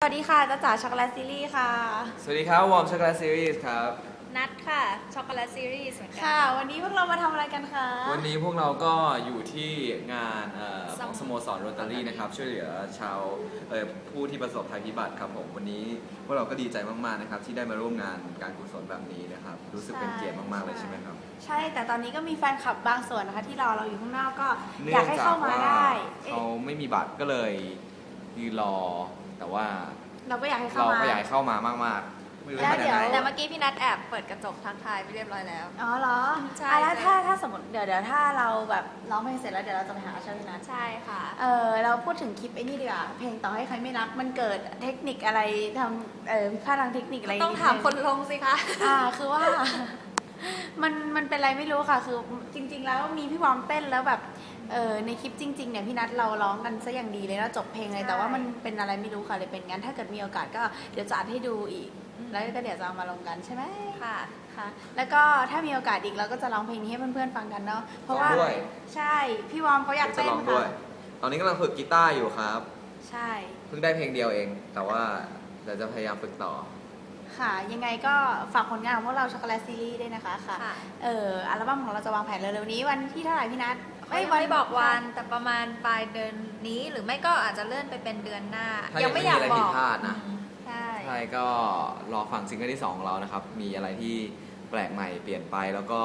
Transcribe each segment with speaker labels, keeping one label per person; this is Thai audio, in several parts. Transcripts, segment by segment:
Speaker 1: วัสดีค่ะจ้าจ๋าช็อกโกแลตซีรีส์ค่ะ
Speaker 2: สวัสดีครับวอร์มช็อกโกแลตซีรีส์ครับ
Speaker 3: นัดค่ะช็อกโกแลตซีรีส์เหมือนกั
Speaker 1: ค่ะ วันนี้พวกเรามาทำอะไรกันคะ
Speaker 2: วันนี้พวกเราก็อยู่ที่งานของสโมสรโรตารี่นะครับช่วยเหลือชาวผู้ที่ประสบภัยพิบัติครับผมวันนี้พวกเราก็ดีใจมากๆนะครับที่ได้มาร่วมงานการกุศลแบบนี้นะครับรู้สึกเป็นเกียรติมากๆเลยใช่ไหมครับ
Speaker 1: ใช่แต่ตอนนี้ก็มีแฟนคลับบางส่วนนะคะที่รอเราอยู่ข้างนอกก็อ
Speaker 2: เนื่อย
Speaker 1: าก
Speaker 2: ง
Speaker 1: ให้
Speaker 2: จาก
Speaker 1: เข้ามา
Speaker 2: ว่า
Speaker 1: ได้
Speaker 2: เขาไม่มีบัตรก็เลยยืนรอแต่ว่า
Speaker 1: เราก็อยากให้เข้า
Speaker 2: เรา
Speaker 1: มา
Speaker 2: ก็อยากให้เข้ามามากๆไม่รู้
Speaker 1: แล้ว
Speaker 2: จะ
Speaker 1: เดี๋ยว
Speaker 2: ทำยังไง
Speaker 3: แต่เมื่อกี้พี่นัดแอบเปิดกระจกทักทายไปเรียบร้อยแล้ว
Speaker 1: อ๋อเหรอ
Speaker 3: ใช่
Speaker 1: แล้ว
Speaker 3: ใช่
Speaker 1: ถ้าสมมติเดี๋ยวถ้าเราแบบร้องเพลงเสร็จแล้วเดี๋ยวเราจะไปหาใช่ไหมนะ
Speaker 3: ใช่ค่ะ
Speaker 1: เราพูดถึงคลิปไอ้นี่ดีกว่าเพลงต่อให้ใครไม่รักมันเกิดเทคนิคอะไรทำผิดพลาดทางเทคนิคอะไร
Speaker 3: ต้องถามคนลงสิคะ
Speaker 1: คือว่า มันเป็นอะไรไม่รู้ค่ะ คือจริง ๆ แล้วมีพี่วอมเต้นแล้วแบบในคลิปจริงๆเนี่ยพี่นัทเราร้องกันซะอย่างดีเลยแล้วจบเพลงเลยแต่ว่ามันเป็นอะไรไม่รู้ค่ะเลยเป็นงั้นถ้าเกิดมีโอกาสก็เดี๋ยวจะอัดให้ดูอีก แล้วก็เดี๋ยวจะเอามาลงกันใช่ไหม
Speaker 3: ค่ะ
Speaker 1: ค่ะแล้วก็ถ้ามีโอกาสอีกเราก็จะร้องเพลงนี้ให้เพื่อนๆฟังกันเนาะเพราะว่าใช่พี่วอมเขาอยาก
Speaker 2: จะ
Speaker 1: เต้น
Speaker 2: ลองด้ว
Speaker 1: ค่ะ
Speaker 2: ยตอนนี้กำลังฝึกกีตาร์อยู่ครับ
Speaker 1: ใช่
Speaker 2: เพิ่งได้เพลงเดียวเอง แต่ว่าเดี๋ยวจะพยายามฝึกต่อ
Speaker 1: ค่ะยังไงก็ฝากผลงานของพวกเราช็อกโกแลตซีรีส์ด้วยนะคะค่ะ
Speaker 3: ค่ะ
Speaker 1: อัลบั้มของเราจะวางแผนเร็วๆนี้วันที่เท่าไหร่พี่นัท
Speaker 3: ไม่บอกวันแต่ประมาณปลายเดือนนี้หรือไม่ก็อาจจะเลื่อนไปเป็นเดือนหน้า
Speaker 2: ถ้ายั
Speaker 3: ยัง
Speaker 2: ง
Speaker 3: ไม่
Speaker 2: ไม่
Speaker 3: อยาก
Speaker 2: มีอะไร
Speaker 3: บ
Speaker 2: ผิ
Speaker 3: อ
Speaker 2: ด
Speaker 3: ก
Speaker 2: พลาดนะ
Speaker 3: ใช่
Speaker 2: ใช่ก็รอฟังซิงเกิลที่ 2 ของเรานะครับ มีอะไรที่แปลกใหม่เปลี่ยนไปแล้วก็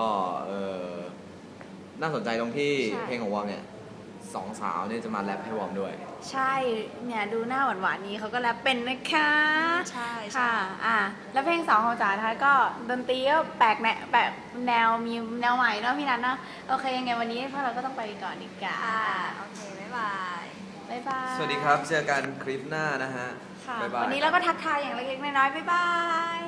Speaker 2: น่าสนใจตรงที่เพลงของวอร์มเนี่ยสองสาวเนี่ยจะมาแรปให้วอร์มด้วย
Speaker 1: ใช่เนี่ยดูหน้าหวานๆนี้เขาก็แรปเป็นนะคะ
Speaker 3: ใช่ใช่
Speaker 1: ค่ะแล้วเพลง2ของจ๋านะคะก็ดนตรีก็แปลกแนวมีแนวใหม่เนาะพี่นัทเนาะโอเคยังไงวันนี้พวกเราก็ต้องไปก่อนดีกว่า
Speaker 3: ค่ะโอเคบ๊ายบาย
Speaker 1: บ๊ายบาย
Speaker 2: สวัสดีครับ เจอกันคลิปหน้านะฮะ
Speaker 1: ค่ะ
Speaker 2: บ๊ายบาย
Speaker 1: วันนี้เราก็ทักทายอย่างเล็กๆน้อยๆบ๊ายบาย